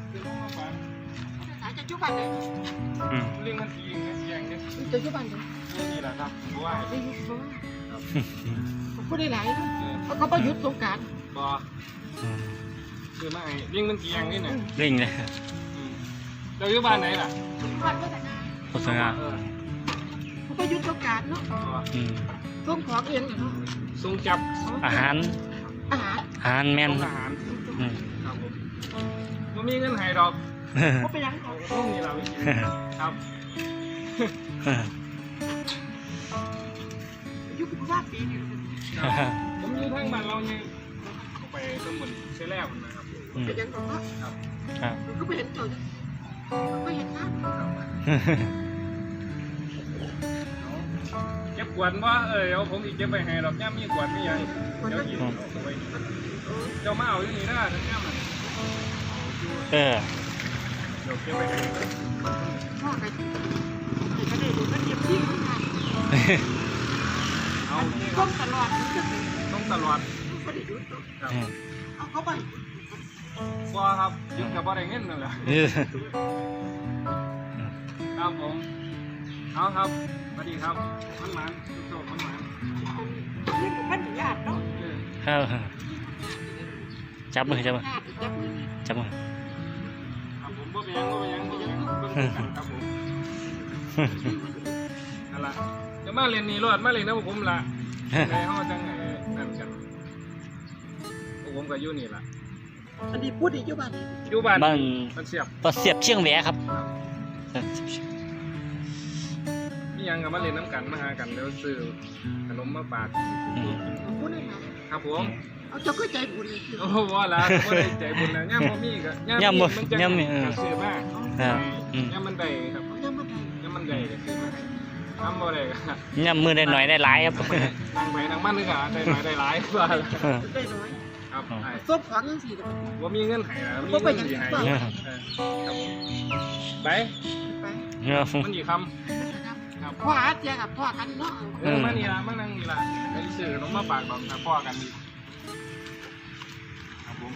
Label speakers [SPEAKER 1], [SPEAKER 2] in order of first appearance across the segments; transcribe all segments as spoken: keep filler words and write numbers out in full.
[SPEAKER 1] อาจจะจุบันเลย
[SPEAKER 2] เรื่องมันทีเงี้ยยังเนี่ย
[SPEAKER 1] จะจุบันเลย
[SPEAKER 2] นี่แหละครับเพราะว่า
[SPEAKER 1] ได้ยุบบ้างผมก็ได้หลายเขาเขาประยุทธ์สงการ
[SPEAKER 2] บอคือไม่เรื่องมันทียังนี่เนี่ย
[SPEAKER 3] เร่งเลย
[SPEAKER 2] เราอยู่บ้านไหนล่ะ
[SPEAKER 1] บ้านก็แต่งาน
[SPEAKER 3] โฆษณา
[SPEAKER 1] เขาประยุทธ์สงการเนาะส่งของเองเนาะ
[SPEAKER 2] ทรงจับ
[SPEAKER 3] อาหาร
[SPEAKER 1] อาหาร
[SPEAKER 3] อาหารแม่น
[SPEAKER 2] อาหารครับผมมันมีเงินให้ดอก
[SPEAKER 1] เขาไปยัง
[SPEAKER 2] เอาต้องมีเราครับ
[SPEAKER 1] ยุบว่าปีนึง
[SPEAKER 2] ผมอยู่ทางบ้านเราเนี่ยไปสมุนเชลล์นะครับ
[SPEAKER 1] ไปยังก็ครับก็ไปเห็นตัวก็เห็นน้ำ
[SPEAKER 2] เก็บกวนว่าเออเอาผมอีกเก็บไปให้ดอกย่ามีกวนไม่ยังเดี๋ยวหยิบเจ้ามาเอาอยู่นี่นะทั้งย่ามัน
[SPEAKER 3] เออ
[SPEAKER 2] เดี๋ยวเก็บไปให้
[SPEAKER 1] พ่อกันก็ได้ดูมันเก็บที่ของงาน
[SPEAKER 2] เอา
[SPEAKER 1] ต้องตลอด
[SPEAKER 2] ต้องตลอด
[SPEAKER 1] ก็ได้ยุบ
[SPEAKER 2] ครับ
[SPEAKER 1] เอาเขาไป
[SPEAKER 2] ว่าครับยึดกับว่าได้เงินนั่นแหละครับผมเอาครับสวัสดีครับมันหมันโชคมันหมัน
[SPEAKER 1] นี่มันญาติเนาะ
[SPEAKER 3] ครับจับมือจับมือ
[SPEAKER 1] จับมือ
[SPEAKER 3] จับมือ
[SPEAKER 2] ครับผมบ่ไปยังบ่ไปยังบ่ไปยังเบิ่งกันครับผมนั่นล่ะจะมาเรียนนี่รอดมาเรียนนะผมล่ะในห้องจังไงนั่นกันผมก็อยู่นี่ล่ะ
[SPEAKER 1] อันนี้พูดอีกอยู่บ้านนี้
[SPEAKER 2] อยู่บ้าน
[SPEAKER 3] บ้าน
[SPEAKER 2] มันเสียบ
[SPEAKER 3] ต่อเสียบเชียงแหวครับ
[SPEAKER 2] มียังกับมาเรียนน้ำกันมาหากันแล้วซื้อขนมมาฝาก
[SPEAKER 1] พูดได้ไหม
[SPEAKER 2] ครับผม
[SPEAKER 1] เอาเจ้าก็ใจบุญเลย
[SPEAKER 2] โอ้โหว่าละบ่ได้ใจบุญนะย่ามบ่มีก็ย่ามมีมันจะก็ซื้อมาย่ามมันได้ครับ
[SPEAKER 1] ยังไม่ได้
[SPEAKER 2] ย่ามมันได้ก็ซื้อมาทำบ่ได้ก็
[SPEAKER 3] ย่ำมือได้หน่อยได้หลายครับ
[SPEAKER 2] นั่งไปนั่งมันนึกอ่ะได้หน่อยได้หลายว่า
[SPEAKER 1] ได้น้อย
[SPEAKER 2] ครับ
[SPEAKER 1] ส้มของยังสี่เลย
[SPEAKER 2] ว่ามีเงินให้นะมีเงินสิให้ครับไป
[SPEAKER 1] ไป
[SPEAKER 2] มันกี่คำครับ
[SPEAKER 1] พ่ออาเจียกับพ่อกันเนาะ
[SPEAKER 2] เออมานี่ละมานั่งนี่ละไอ้ซื้อขนมมาฝากบอกพ่อกันดีครับผม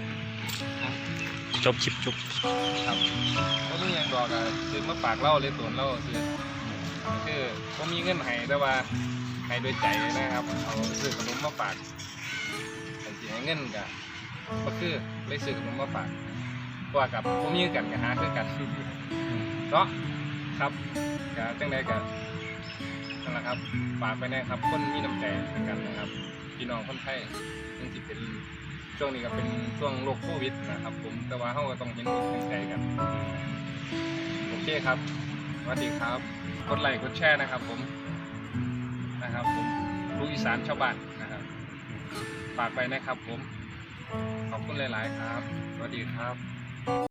[SPEAKER 3] จบชิบจบ
[SPEAKER 2] ครับก็มีอย่างบอกอะซื้อมาฝากเล่าเลยตัวเล่าซื้อคือผมมีเงินให้แต่ว่าให้โดยใจนะครับเอาซื้อขนมมาฝากแต่สิให้เงินกับก็คือเลยซื้อขนมมาฝากว่ากับผมมีกันกับหาคือกันเนาะครับกับจังใดกับนั่นแหละครับฝากไปแน่ครับคนมีน้ำใจกันนะครับพี่น้องคนไทยซึ่งที่เป็นช่วงนี้ก็เป็นช่วงโรคโควิดนะครับผมแต่ว่าเขาก็ต้องเห็นอกเห็นใจกันโอเคครับสวัสดีครับกดไลค์กดแชร์นะครับผมนะครับผมลูกอีสานชาวบ้านนะครับฝากไปนะครับผมขอบคุณหลายๆครับสวัสดีครับ